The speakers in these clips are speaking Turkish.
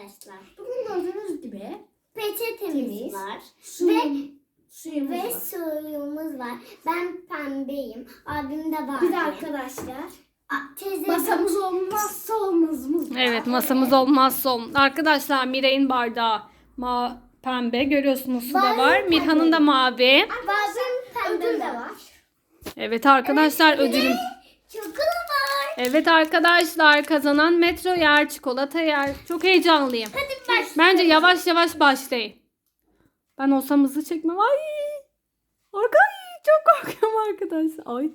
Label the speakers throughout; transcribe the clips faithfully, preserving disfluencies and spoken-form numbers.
Speaker 1: arkadaşlar.
Speaker 2: Bugün gördüğünüz gibi
Speaker 1: Peçetemiz
Speaker 2: Temiz.
Speaker 1: var.
Speaker 2: suyum, suyumuz
Speaker 1: Ve
Speaker 2: var.
Speaker 1: suyumuz var. Ben pembeyim. Abim de var.
Speaker 2: Bir de arkadaşlar
Speaker 1: A- teyze
Speaker 2: masamız olmazsa olmazımız var.
Speaker 3: Evet, masamız olmazsa olmaz. Arkadaşlar Miray'ın bardağı ma pembe. Görüyorsunuz su da
Speaker 1: Benim
Speaker 3: var.
Speaker 1: pembe.
Speaker 3: Mirhan'ın da mavi.
Speaker 1: Bazen
Speaker 2: Ödül
Speaker 1: pembe
Speaker 2: de
Speaker 1: var.
Speaker 2: var.
Speaker 3: Evet arkadaşlar ödülüm.
Speaker 1: Çikolata var.
Speaker 3: Evet arkadaşlar kazanan metro yer, çikolata yer. Çok heyecanlıyım.
Speaker 1: Hadi başlayalım.
Speaker 3: Bence yavaş yavaş başlayın. Ben olsam hızlı çekmem. Ay! Arkay çok korkuyorum arkadaşlar. Ay.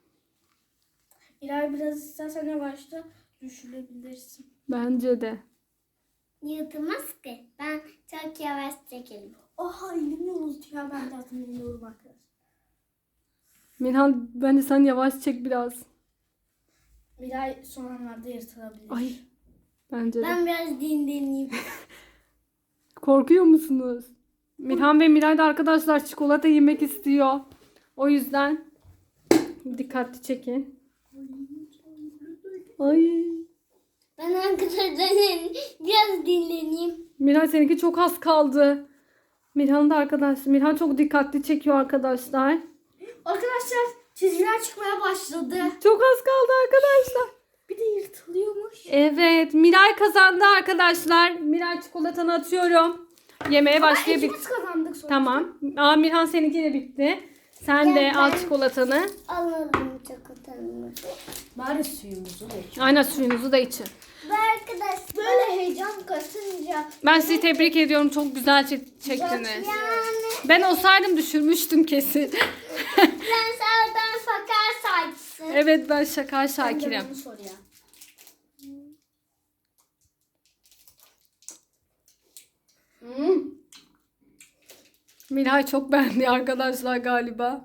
Speaker 2: İlay biraz istersen yavaşta düşürebilirsin.
Speaker 3: Bence de.
Speaker 1: Yutmaz ki. Ben çok yavaş çekelim.
Speaker 2: Oha elim yoruldu ya, ben de zaten elim yoruldu arkadaşlar.
Speaker 3: Mirhan bence sen yavaş çek biraz.
Speaker 2: İlay son anlarda yırtılabilir.
Speaker 3: Ay. Bence de.
Speaker 1: Ben biraz dinleneyim.
Speaker 3: Korkuyor musunuz? Mirhan ve Miray da arkadaşlar çikolata yemek istiyor. O yüzden dikkatli çekin. Ay.
Speaker 1: Ben arkadaşlar biraz dinleneyim.
Speaker 3: Miray seninki çok az kaldı. Mirhan da arkadaş. Mirhan çok dikkatli çekiyor arkadaşlar.
Speaker 2: Arkadaşlar çizgiler çıkmaya başladı.
Speaker 3: Çok az kaldı arkadaşlar.
Speaker 2: Bir de yırtılıyormuş.
Speaker 3: Evet, Miray kazandı arkadaşlar. Miray çikolatanı atıyorum. Yemeğe başlayabilir.
Speaker 2: İkimiz kazandık sonra.
Speaker 3: Tamam. Aa, Mirhan seninki de bitti. Sen de
Speaker 1: Ya
Speaker 3: al
Speaker 1: ben-
Speaker 3: çikolatanı.
Speaker 1: Alalım çikolatamızı.
Speaker 2: Bari suyumuzu da iç.
Speaker 3: Aynen suyunuzu da için.
Speaker 1: Ve arkadaşlar
Speaker 2: Böyle heyecan katınca
Speaker 3: Ben sizi tebrik ediyorum. Çok güzel çek- çektiniz.
Speaker 1: yani
Speaker 3: Ben olsaydım düşürmüştüm kesin.
Speaker 1: sen sağdan fakar saçsın.
Speaker 3: Evet ben şaka
Speaker 2: ben de
Speaker 3: Şakir'im.
Speaker 2: bunu sor ya. Hmm.
Speaker 3: Miray çok beğendi arkadaşlar galiba.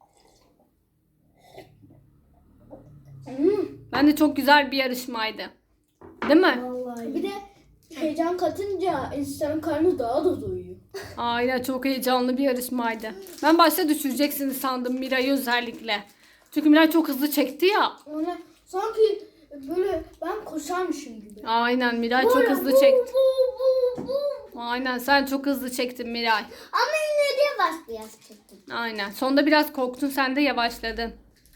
Speaker 2: Hmm.
Speaker 3: Bence çok güzel bir yarışmaydı. Değil mi?
Speaker 2: Vallahi. Bir de heyecan katınca insanın karnı daha da doyuyor.
Speaker 3: Aynen çok heyecanlı bir yarışmaydı. Ben başta düşüreceksiniz sandım Miray'ı özellikle. Çünkü Miray çok hızlı çekti ya.
Speaker 2: Ona sanki böyle ben koşarmışım gibi.
Speaker 3: Aynen Miray çok hızlı çekti. Aynen sen çok hızlı çektin Miray.
Speaker 1: Ama yine de yavaş biraz çektim.
Speaker 3: Aynen. Sonunda biraz korktun sen de yavaşladın.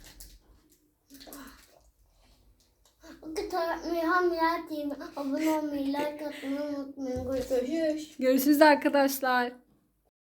Speaker 1: Mihan Mirat T V abone olmayı, like atmayı unutmayın. Görüşürüz.
Speaker 2: Görüşürüz.
Speaker 3: Görüşürüz arkadaşlar.